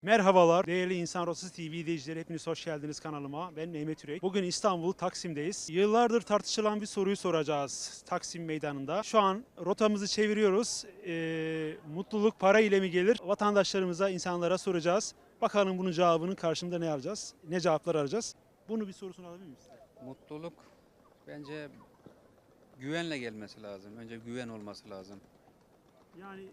Merhabalar değerli İnsan Rotası TV izleyicileri, hepiniz hoş geldiniz kanalıma. Ben Mehmet Ürek. Bugün İstanbul Taksim'deyiz. Yıllardır tartışılan bir soruyu soracağız Taksim Meydanı'nda. Şu an rotamızı çeviriyoruz. Mutluluk para ile mi gelir? Vatandaşlarımıza, insanlara soracağız. Bakalım bunun cevabının karşımda ne arayacağız? Ne cevaplar arayacağız? Bunu bir sorusunu alabilir miyiz? Mutluluk bence güvenle gelmesi lazım. Önce güven olması lazım. Yani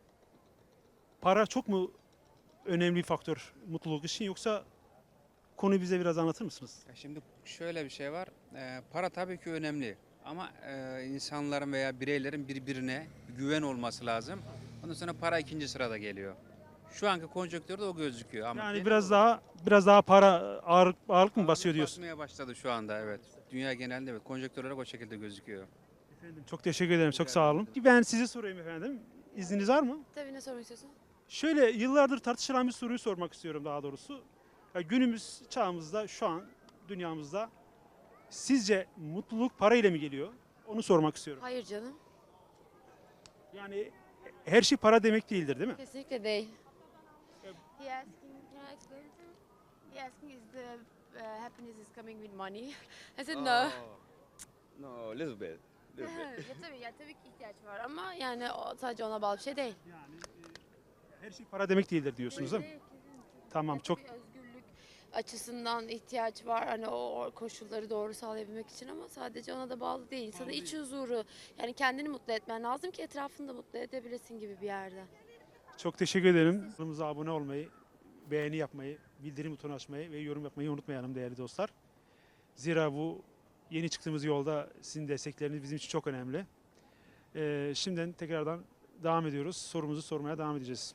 para çok mu önemli bir faktör mutluluk için, yoksa konuyu bize biraz anlatır mısınız? Ya şimdi şöyle bir şey var. Para tabii ki önemli. Ama insanların veya bireylerin birbirine güven olması lazım. Ondan sonra para ikinci sırada geliyor. Şu anki konjonktürde o gözüküyor. Ama Yani genel biraz daha para ağırlık mı olarak basıyor diyorsun? basmaya başladı şu anda, evet. Dünya genelinde evet. Konjonktür olarak o şekilde gözüküyor. Efendim, çok teşekkür ederim, çok sağ olun. Ben size sorayım efendim. İzniniz var mı? Tabii, ne sormak istiyorsun? Şöyle, yıllardır tartışılan bir soruyu sormak istiyorum daha doğrusu. Ya günümüz çağımızda, şu an dünyamızda sizce mutluluk parayla mı geliyor? Onu sormak istiyorum. Hayır canım. Yani her şey para demek değildir, değil mi? Kesinlikle değil. Evet. He asking, can I explain it to him? He asking is the happiness is coming with money. I said no. No, little bit. Little bit. Tabii ki ihtiyaç var ama yani sadece ona bağlı bir şey değil. Yani her şey para demek değildir diyorsunuz, değil mi? Tamam, çok Tabii özgürlük açısından ihtiyaç var, hani o koşulları doğru sağlayabilmek için, ama sadece ona da bağlı değil. İnsanın iç huzuru, yani kendini mutlu etmen lazım ki etrafını da mutlu edebilesin gibi bir yerde. çok teşekkür ederim. Kanalımıza abone olmayı, beğeni yapmayı, bildirim butonu açmayı ve yorum yapmayı unutmayalım değerli dostlar. Zira bu yeni çıktığımız yolda sizin destekleriniz bizim için çok önemli. Şimdiden tekrardan devam ediyoruz. Sorumuzu sormaya devam edeceğiz.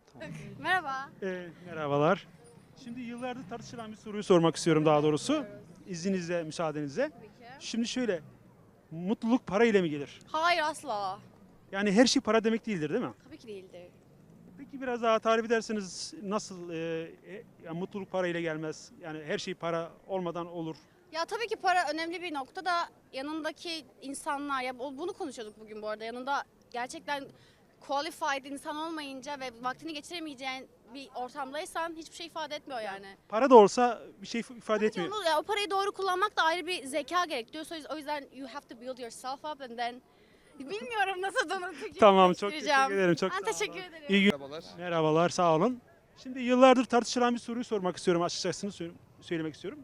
Merhaba. Merhabalar. Şimdi yıllardır tartışılan bir soruyu sormak istiyorum daha doğrusu. İzninizle, müsaadenizle. Şimdi şöyle, mutluluk para ile mi gelir? Hayır, asla. Yani her şey para demek değildir, değil mi? Tabii ki değildir. Peki biraz daha tarif ederseniz nasıl yani mutluluk para ile gelmez? Yani her şey para olmadan olur. Ya tabii ki para önemli bir nokta da yanındaki insanlar, ya bunu konuşuyorduk bugün bu arada, yanında gerçekten qualified insan olmayınca ve vaktini geçiremeyeceğin bir ortamdaysan hiçbir şey ifade etmiyor yani. Para da olsa bir şey ifade etmiyor. O parayı doğru kullanmak da ayrı bir zeka gerektiriyor. O yüzden you have to build yourself up and then bilmiyorum nasıl Tamam, çok teşekkür ederim. Çok Ben sağ olun. teşekkür ederim. İyi gün. Merhabalar. Merhabalar, sağ olun. Şimdi yıllardır tartışılan bir soruyu sormak istiyorum, açıkçası söylemek istiyorum.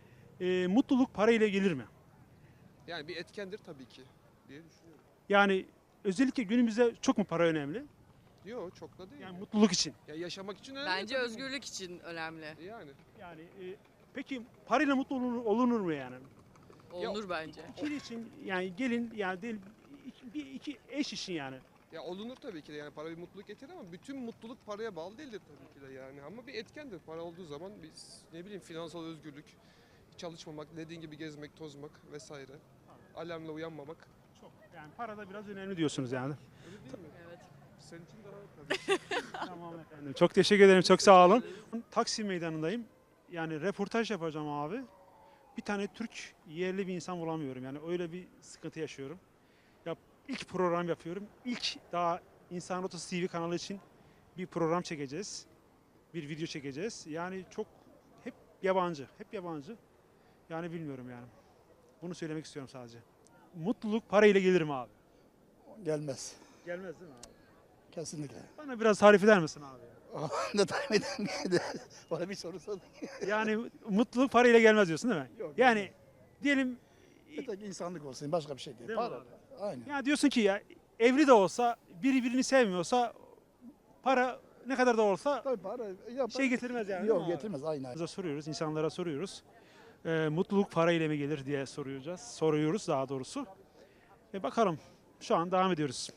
Mutluluk para ile gelir mi? Yani bir etkendir tabii ki diye düşünüyorum. Yani özellikle günümüzde çok mu para önemli? Yok, çok da değil. Yani mutluluk için. Ya yaşamak için önemli. Bence tabii. özgürlük için önemli. Yani. Yani peki parayla mutlu olunur mu yani? Olunur bence. İkili için yani gelin yani değil, iki eş için yani. Ya olunur tabii ki de, yani para bir mutluluk getirir ama bütün mutluluk paraya bağlı değildir tabii ki de yani. Ama bir etkendir. Para olduğu zaman biz ne bileyim finansal özgürlük, çalışmamak, dediğin gibi gezmek, tozmak vesaire. Alarmla uyanmamak. Çok. Yani para da biraz önemli diyorsunuz yani. Öyle değil mi? Evet. Senin için daha tabii. Tamam efendim. Çok teşekkür ederim. Çok sağ olun. Taksim Meydanı'ndayım. Yani röportaj yapacağım abi. Bir tane Türk yerli bir insan bulamıyorum. Yani öyle bir sıkıntı yaşıyorum. Ya ilk program yapıyorum. İlk daha İnsan Rotası TV kanalı için bir program çekeceğiz. Bir video çekeceğiz. Yani çok hep yabancı. Hep yabancı. Yani bilmiyorum yani. Bunu söylemek istiyorum sadece. Mutluluk parayla gelir mi abi? Gelmez. Gelmez değil mi abi? Kesinlikle. Bana biraz tarif eder misin abi? Ne tahmin edemedi. Bana bir soru sordun. Yani mutluluk parayla gelmez diyorsun değil mi? Yok, Yani diyelim Bir tek insanlık olsun, başka bir şey değil. Değil mi Para. abi? Aynen. ya diyorsun ki ya evli de olsa biri birini sevmiyorsa para ne kadar da olsa Tabii para. Ya, şey getirmez yani. değil mi Yok abi? getirmez aynen. Bize soruyoruz, insanlara soruyoruz. Mutluluk parayla mı gelir diye soruyoruz daha doğrusu. Bakalım. Şu an devam ediyoruz.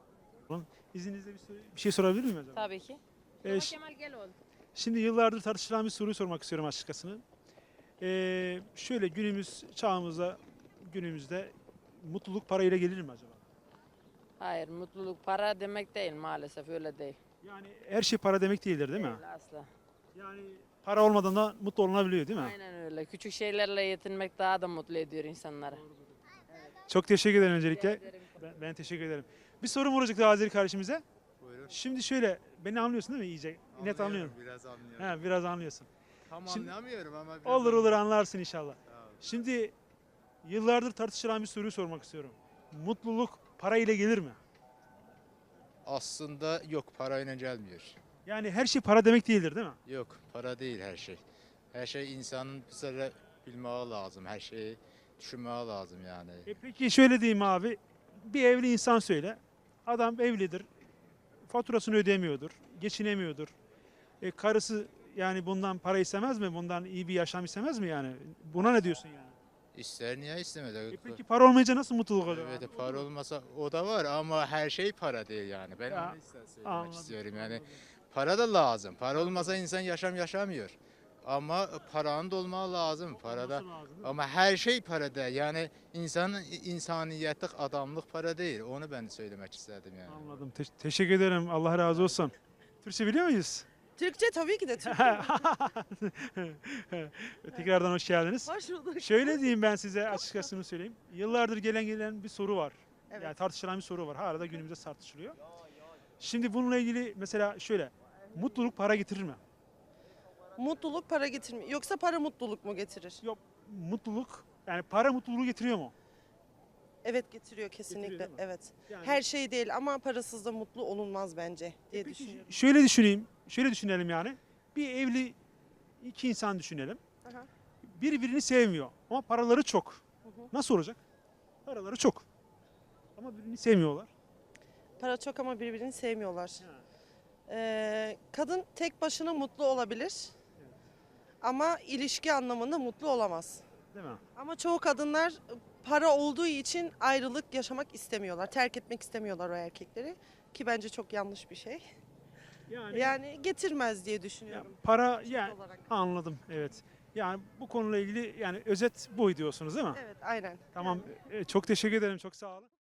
İzninizle bir şey sorabilir miyim acaba? Tabii ki. Kemal Şimdi yıllardır tartışılan bir soruyu sormak istiyorum açıkçası. Şöyle günümüzde mutluluk parayla gelir mi acaba? Hayır, mutluluk para demek değil, maalesef öyle değil. Yani her şey para demek değildir, değil mi? Değil asla. Yani para olmadan da mutlu olunabiliyor, değil mi? Aynen öyle. Küçük şeylerle yetinmek daha da mutlu ediyor insanları. Çok teşekkür ederim öncelikle. Ben teşekkür ederim. Bir sorum olacak da Azeri kardeşimize. Buyurun. Şimdi şöyle, beni anlıyorsun değil mi iyice? net anlıyorum. Biraz anlıyorum. He, biraz anlıyorsun. Tam Şimdi- anlamıyorum ama biraz Olur anlarsın inşallah. Tamam. Şimdi yıllardır tartışılan bir soruyu sormak istiyorum. Mutluluk para ile gelir mi? Aslında yok, parayla gelmiyor. Yani her şey para demek değildir değil mi? Yok, para değil her şey. Her şey insanın bir süre bilmeye lazım. Her şeyi düşünmeye lazım yani. Peki şöyle diyeyim abi. Bir evli insan söyle. Adam evlidir. Faturasını ödemiyordur. Geçinemiyordur. Karısı yani bundan para istemez mi? Bundan iyi bir yaşam istemez mi yani? Buna ne diyorsun yani? İster niye istemedi? Peki para olmayınca nasıl mutluluk olur? Evet, para olmasa o da var ama her şey para değil yani. Ben Ya, onu söylemek anladım, istiyorum yani. anladım. Para da lazım. Para olmasa insan yaşamıyor. Ama paranın da olması lazım. Parada Olması lazım, değil mi? ama her şey para değil. Yani insanın insaniyetlik, adamlık para değil. Onu ben söylemek istedim yani. Anladım. Teşekkür ederim. Allah razı olsun. Türkçe biliyor muyuz? Türkçe tabii ki de Türkçe. Tekrardan hoş geldiniz. Hoş bulduk. Şöyle diyeyim ben size açıkçası söyleyeyim. Yıllardır gelen bir soru var. Evet. Yani tartışılan bir soru var. Hala da günümüzde tartışılıyor. Şimdi bununla ilgili mesela şöyle. Mutluluk para getirir mi? Mutluluk para getirmiyor. Yoksa para mutluluk mu getirir? Yok. Mutluluk yani para mutluluğu getiriyor mu? Evet getiriyor kesinlikle. Getiriyor değil mi? Evet. Yani, Her şey değil ama parasız da mutlu olunmaz bence diye peki düşünüyorum. şöyle düşüneyim. Şöyle düşünelim yani. Bir evli iki insan düşünelim. Aha. Birbirini sevmiyor ama paraları çok. Hı hı. Nasıl olacak? Paraları çok. Ama birbirini sevmiyorlar. Para çok ama birbirini sevmiyorlar. Kadın tek başına mutlu olabilir. Ama ilişki anlamında mutlu olamaz. Değil mi? Ama çoğu kadınlar para olduğu için ayrılık yaşamak istemiyorlar. Terk etmek istemiyorlar o erkekleri. Ki bence çok yanlış bir şey. Yani getirmez diye ya düşünüyorum. para Çift yani olarak. anladım evet. Yani bu konuyla ilgili yani özet bu diyorsunuz değil mi? Evet aynen. Tamam. Yani- Çok teşekkür ederim. Çok sağ olun.